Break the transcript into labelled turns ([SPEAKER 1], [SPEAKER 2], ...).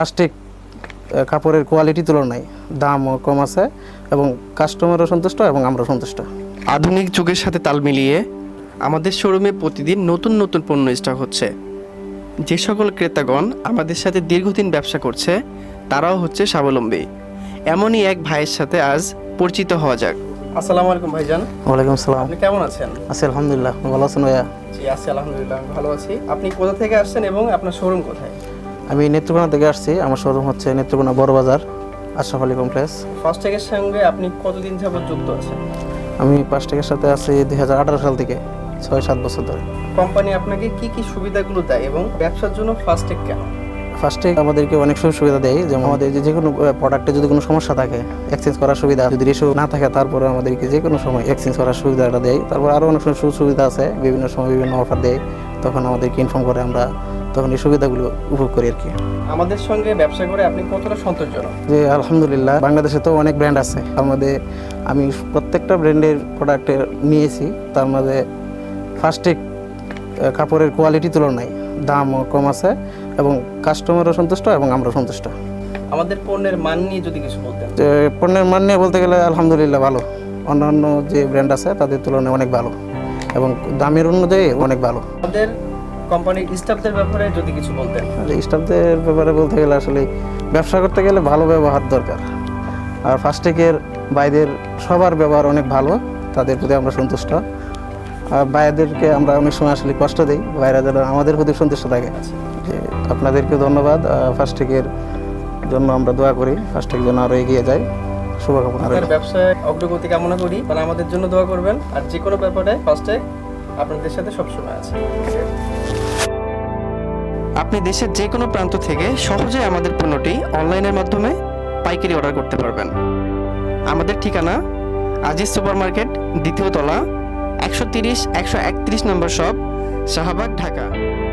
[SPEAKER 1] Plastic কাপড়ের quality তুলনায় দামও কম আছে এবং কাস্টমারও সন্তুষ্ট এবং আমরা সন্তুষ্ট।
[SPEAKER 2] আধুনিক যুগের সাথে তাল মিলিয়ে আমাদের শোরুমে প্রতিদিন নতুন নতুন পণ্য স্টক হচ্ছে। যে সকল ক্রেতাগণ আমাদের সাথে দীর্ঘদিন ব্যবসা করছে তারাও হচ্ছে স্বাবলম্বী। এমনই এক ভাইয়ের সাথে আজ পরিচিত হওয়া যাক। আসসালামু আলাইকুম ভাইজান।
[SPEAKER 1] ওয়ালাইকুম আসসালাম।
[SPEAKER 2] আপনি কেমন আছেন?
[SPEAKER 1] আছি আলহামদুলিল্লাহ। ভালো আছেন ভাইয়া?
[SPEAKER 2] জি আছি আলহামদুলিল্লাহ, ভালো আছি। আপনি কোথা থেকে আসছেন এবং আপনার শোরুম কোথায়?
[SPEAKER 1] আমি নেত্রকোনা থেকে আসছি। আমার শোরুম হচ্ছে নেত্রকোনা বড় বাজার আশরাফ আলী কমপ্লেক্স।
[SPEAKER 2] ফাস্ট্যাগের সঙ্গে আপনি কতদিন যাবত যুক্ত আছেন?
[SPEAKER 1] আমি ফাস্ট্যাগের সাথে আছি 2018 সাল থেকে, 6-7 বছর ধরে।
[SPEAKER 2] কোম্পানি আপনাকে কি কি সুবিধাগুলো দেয় এবং ব্যবসার জন্য ফাস্ট্যাগ কেন?
[SPEAKER 1] ফাস্ট্যাগ আমাদেরকে অনেক সুযোগ সুবিধা দেয়, যেমন আমাদের যে কোনো প্রোডাক্টে যদি কোনো সমস্যা থাকে এক্সচেঞ্জ করার সুবিধা, যদি ইস্যু না থাকে তারপরে আমাদেরকে যে কোনো সময় এক্সচেঞ্জ করার সুবিধাটা দেয়। তারপর আরও অনেক সুযোগ সুবিধা আছে, বিভিন্ন সময় বিভিন্ন অফার দেয়, তখন আমাদেরকে ইনফর্ম করে, আমরা তখন এই সুবিধাগুলো উপভোগ করি আর কি।
[SPEAKER 2] আমাদের সঙ্গে ব্যবসা করে আপনি কতটা সন্তোষজনক?
[SPEAKER 1] যে আলহামদুলিল্লাহ, বাংলাদেশে তো অনেক ব্র্যান্ড আছে, আমি প্রত্যেকটা ব্র্যান্ডের প্রোডাক্টে নিয়েছি। তার মধ্যে ফাস্ট্যাগ কাপড়ের কোয়ালিটি তুলনায় দামও কম আছে এবং কাস্টমারও সন্তুষ্ট এবং আমরা সন্তুষ্ট।
[SPEAKER 2] আমাদের পণ্যের মান নিয়ে যদি কিছু বলতেন।
[SPEAKER 1] যে পণ্যের মান নিয়ে বলতে গেলে আলহামদুলিল্লাহ ভালো, অন্যান্য যে ব্র্যান্ড আছে তাদের তুলনায় অনেক ভালো এবং দামের অনুযায়ী অনেক ভালো।
[SPEAKER 2] আমাদের কোম্পানির স্টাফদের ব্যাপারে যদি কিছু বলতেন।
[SPEAKER 1] স্টাফদের ব্যাপারে বলতে গেলে আসলে ব্যবসা করতে গেলে ভালো ব্যবহার দরকার, আর ফাস্ট্যাগের বাইরের সবার ব্যবহার অনেক ভালো, তাদের প্রতি আমরা সন্তুষ্ট। আর বাইরেদেরকে আমরা অনেক সময় আসলে কষ্ট দিই, বাইরে যেন আমাদের প্রতি সন্তুষ্ট থাকে। যে আপনাদেরকে ধন্যবাদ। ফাস্ট্যাগের জন্য আমরা দোয়া করি, ফাস্ট্যাগ যেন আরও এগিয়ে যায়। শুভকামনা রইল।
[SPEAKER 2] ব্যবসায় অগ্রগতি কামনা করি, তারা আমাদের জন্য দোয়া করবেন। আর যে কোনো ব্যাপারে ফাস্ট্যাগ আপনাদের সাথে সবসময় আছে। আপনি দেশের যে কোনো প্রান্ত থেকে সহজে আমাদের পণ্যটি অনলাইনের মাধ্যমে পাইকারি অর্ডার করতে পারবেন। আমাদের ঠিকানা আজিজ সুপার মার্কেট, দ্বিতীয় তলা, 130-131 নম্বর শপ, শাহবাগ, ঢাকা।